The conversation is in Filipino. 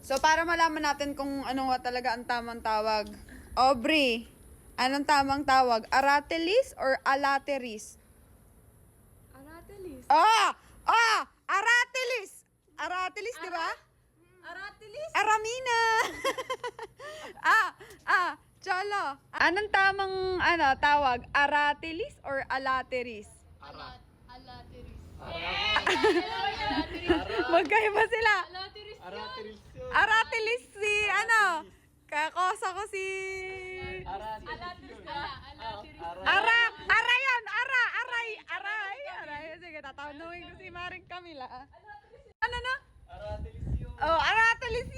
So, para malaman natin kung ano nga talaga ang tamang tawag. Aubrey, anong tamang tawag? Aratilis or alateris? Aratilis. Aratilis! Aratilis, di ba? Aratilis? Aramina! Cholo. Anong tamang tawag? Aratilis or alateris? Alateris. Magkaiba sila. Alateris Aratilis yun. Aratilis si kakosa ko si... Alateris ka. Alateris. Aray. Sige, tatanungin ko si Maring Camila. Ano na? Aratilis yun. Oh, Aratilis